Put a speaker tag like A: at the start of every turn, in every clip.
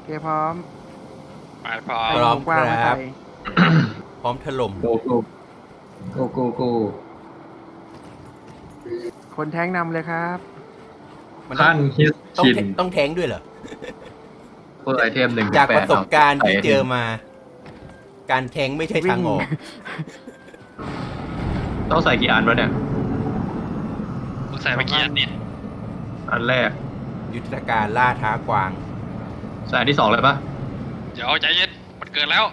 A: เคพร้อม
B: มาพร้อ
A: ไอ้
B: ม
A: หมูกว้างมาใส่
C: พร้อมถล่ม
D: โกโกโกโกโก
A: คนแท้งนำเลยครับ
C: มันต้อ
D: ขั้
C: ง
D: นฮิต
C: ต้อง
D: ชิน
C: ต้องแทงด้วยเหรอ
D: เพื่อไอเทม1-8
C: จากประสบการณ์ที่เจอมา การแทงไม่ใช่ทางออก
D: ต้องใส่กี่อันวะเนี่ย
B: มึงใส่เมื่อกี้อันนี้
D: อันแรก
C: ยุทธการล่าท้ากวาง
D: ใส่อันที่2เลยปะ
B: เดี๋ยวใจเย็นมันเกินแล้ว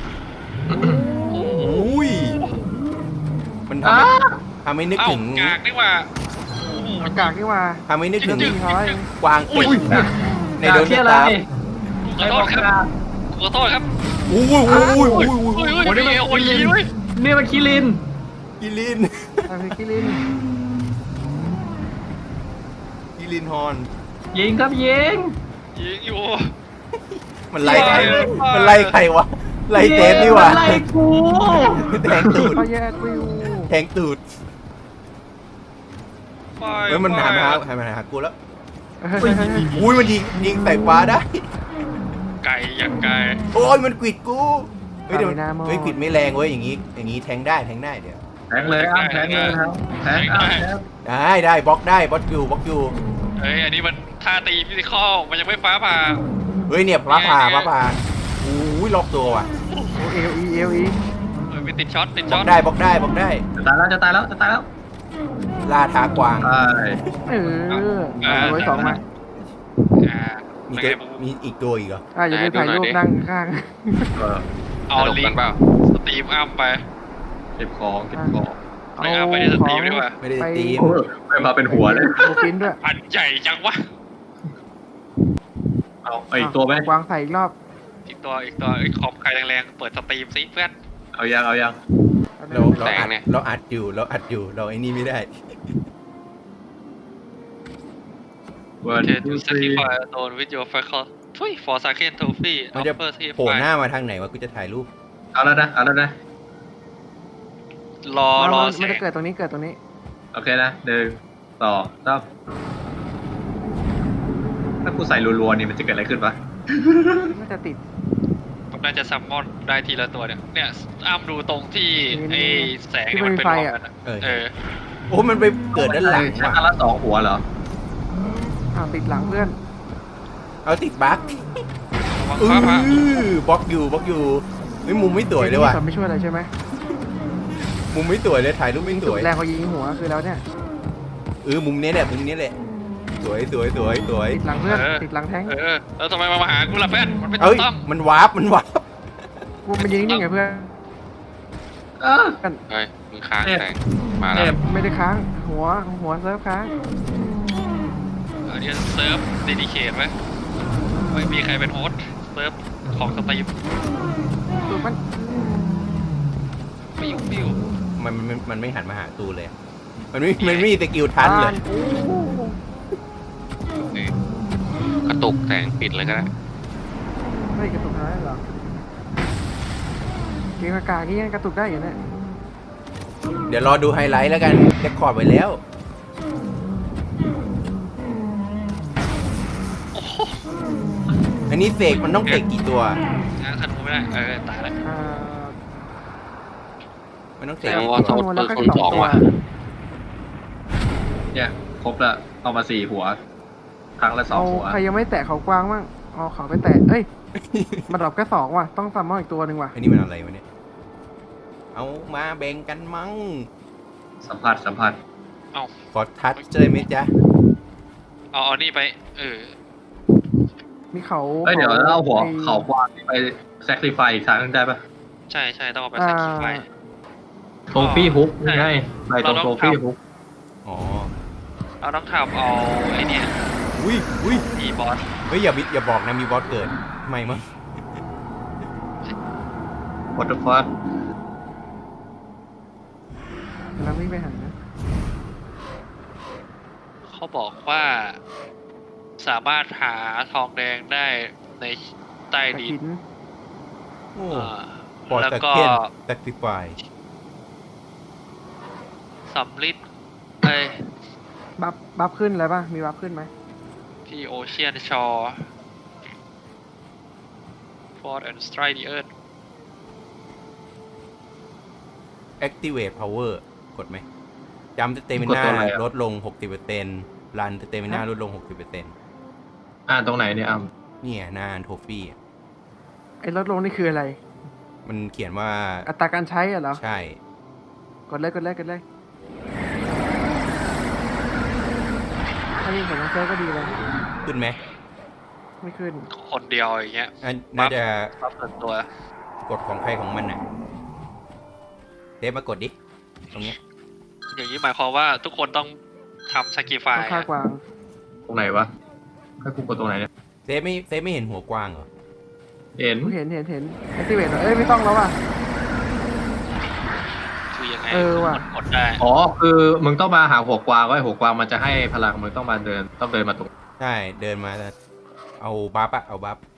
C: อุ้ย มันทำให้นึก
B: เอ้า
C: ถึง
B: กากนี่ว่า
A: อากาศนี่ว่า
C: ทำให้นึกถึง
A: จริงๆเขาไอ้
C: กวางติดในโดน
D: ที่
C: ตา
D: อะไร
B: ขอโทษครับขอโทษครับ
C: อุ้ยอุ้ยอุ้ยอุ้ย
B: โอ้ยโอ้ยโอ้ยโอ้ยโอ้ย
D: นี่มันคิริน
C: กิลิน
A: ทำให้กิลิน
C: กิลินฮอน
D: ยิงครับยิง
B: ยิงอยู่
C: มันไล่ใคร
B: เย้
C: มันไล่ใครวะ ไล่เจฟนี่หว่า
D: ไล่กู
C: แทงตูด
A: เขาแยกวิว
C: แทงตูดเฮ้ยมันหากูแล้ว อุ้ยมันยิงใส่ฟ้าได้
B: ไก่อย่างไก่
C: โอ้ยมันกวิดกู เฮ้ยเดี๋ยวเฮ้ยกวิดไม่แรงเว้ยอย่างงี้แทงได้เดี๋ยว
D: แทงเลยอ้ำแทงเลยครับแทงอ้ำแทง
C: ได้บล็อกได้บล็อกอยู่
B: เฮ้ยอันนี้มันท่าตีฟิสิคอลมันยังไม่ฟ้าผ่า
C: เฮ้ยเนี่ยพระผ่าอุ้ยล็อกตัวว่ะ
A: โอเอลอีเอลอี
B: เฮ้ยไม่ติดช็อตติด
C: บ
B: ช็
C: ล็
B: อ
C: อ
B: ต
C: กได้บล็อกได้
D: จะตายแล้ว
C: ล่าท้ากวาง
D: ใช่
A: เอาไว้สองมา
B: อ่า
C: มี
B: เป็นไง
C: มีอีกตัวอีกเหรอ
A: อย่าลืมถ่ายรูปนั่งข้าง
D: เออ
B: เอาลิงก์สตรีมอัพไป
D: เก็บของ
B: ไม่เอาไปในสตรีมดีกว่า
C: ไม่ได้
A: ไป
C: ตีม
D: ไปมาเป็นหัวเลย
A: โบกินด้วย
B: อันใหญ่จังวะ
D: เอาอีกตัวไหม
A: วางใส่อีกรอบ
B: อีกตัวไอ้คอมใครแรงๆเปิดสตรีมซิเพื่อน
D: เอายัง
C: เราอัดอยู่เราไอ้นี่ไม่ได้
D: วัน
B: เททูสติฟายโดนวิดีโอไฟคอลทุยฟอร์ซาเคนโทฟี่
C: มันจะ
B: เปอร์ที่
C: โผล่หน้ามาทางไหนวะกูจะถ่ายรูป
D: เอาแล้วนะ
B: รอ
A: มันจะเกิดตรงนี้เกิดตรงนี้
D: โอเคนะ1 2 3ถ้ากูใส่รัวๆนี่มันจะเกิดอะไรขึ้นปะ
A: มันจะติด
B: ผมน่าจะซัมมอนได้ทีละตัวเนี่ยอ้ามดูตรงที่ไอ้แสง
A: ที่
B: เนี่ย
A: มั
B: มัน น
A: มี
B: เป็น
A: ไฟ
B: รอย
A: อะ
B: กันอะ
C: เออ
B: เออ
C: โอ้มันไปเกิดด้านหลัง
D: ใช้
C: ว่ะ
D: อันละ2หัวเหรอ
A: ติดหลังเพื่อน
C: เอาติดบั๊ก
B: ระวังฟ้าผ่า
C: บล็อกอยู่เฮ้ยมุมไม่สวยเลยว่ะ
A: ไม่ช่วยอะไรใช่ไหม
C: มุมไม่สวยเลยถ่ายรูปไม่สวย
A: แรงเขายิงหัวคือแล้วเนี่ย
C: มุมนี้แหละสวย
A: ติดหลังเพื่อนติดหลังแท้ง
B: แล้วทำไมมาหากูล่ะเพื่อนมันไม่ถู
C: เอ้ย
B: กต้อง
C: มันวาร์ป
A: กูมันยิงนี่ไงเพื่อน
D: เออ
B: เฮ้ยมึงค้าง
D: เอ๊ะ
B: แสงมา
D: เอ๊ะ
B: แล้ว
A: ไม่ได้ค้างหัวเซิร์ฟค้าง
B: อันนี้เซิร์ฟเดดิเคทไหมไม่มีใครเป็นโฮสต์เซิร์ฟของสตรีม
A: ตัวมัน
B: ปิ้ว
C: มันไม่หันมาหาตูเลยมันไม่มีสกิลทันเลย
B: กระตุกแสงปิดเลยก็ได้
A: ไม่กระตุกน้อยหรอเกมอากาศที่ยังกระตุกได้อยู่เนี่ย
C: เดี๋ยวรอดูไฮไลท์แล้วกันเรคคอร์ดไว้แล้ว อันนี้เสกมันต้องเสกกี่ตัว
B: งานธนูไม่ได้ตายแล้ว
C: มันต้องเส
B: แส
C: ก
B: ดงว่า
A: แล้วก็2 ตัว
D: เนี่ยครบละเอามา4หัว ครั้งละ
A: เอา
D: 2หัว
A: ใครยังไม่แตะเขากว้างมั่งเอาเขาไปแตะเอ้ยมันดรอปแค่2ว่ะต้องซัมมอนอีกตัวหนึ่งว่ะ
C: อันนี้มันอะไรวะเนี่ย เอามาแบ่งกันมั้ง
D: สัมผัส
C: ขอทัชเลยไหมจ๊ะ
B: เอานี่ไป
A: มีเขา
D: เอ้ยเดี๋ยวเอาหัวเขาวางไป sacrifice อีกครั้งได้ปะ
B: ใช่ต้องเอาไปสักไฟ
D: โทฟี่ฮุกไงไปตรงโทฟี่ฮุก
C: อ๋อ
B: เราต้องทำเอาไอ้เนี่ย
C: อุ้ย
B: อีบอส
C: เฮ้ยอย่าบอกนะมีบอสเกิดไม่มั้ง
D: what the fuck
A: กำลังวิ่งไปหา
B: เขาบอกว่าสามารถหาทองแดงได้ในใต้
A: ตะ
B: ดิ
A: หิ
B: น
A: น
C: โอ้
B: อ่า
C: ปอด
B: แล้ว
C: ตะ
B: ก็
C: เคียนตะติฟาย
B: สำลิดไอ้
A: บัฟขึ้นอะไรป่ะมีบัฟขึ้นไหม
B: ที่โอเชียนชอ forth and strike the earth
C: activate power กดไหมจำสเตมิน่าลดลง 60%รันสเตมิน่าลดลง 60%
D: ตรงไหนเนี่ย
C: เนี่ยหน้าโทฟี่
A: ไอ้ลดลงนี่คืออะไร
C: มันเขียนว่า
A: อัตราการใช้เหรอ
C: ใช่
A: กดเลยถ้ามีผลทางเซิร์ฟก็ดีเลย
C: ขึ้นไหม
A: ไม่ขึ้น
B: คนเดียวอย่างเงี้ย
C: น่าจะ
B: รับเปิดตัว
C: กดของใครของมันน่ะเดฟมากดดิ ตรงเนี้ย
B: อย่างนี้หมายความว่าทุกคนต้องทำ sacrifice
A: ต้องฆ่ากวาง
D: ตรงไหนวะให้กูกดตรงไหนเนี่ย
C: เซฟไม่เห็นหัวกวางเหรอ
D: เห็น
A: เห็นแอคทีเวตเอ้ยไม่ต้องแล้วว่ะ
B: คือยังไง
A: เออว่ะ
B: กดได้
D: อ๋อคือมึงต้องมาหาหัวกวางไว้หัวกวางมันจะให้พลังมึงต้องเดินมาตรง
C: ใช่ เดินมาเอาบัฟเอาบัฟ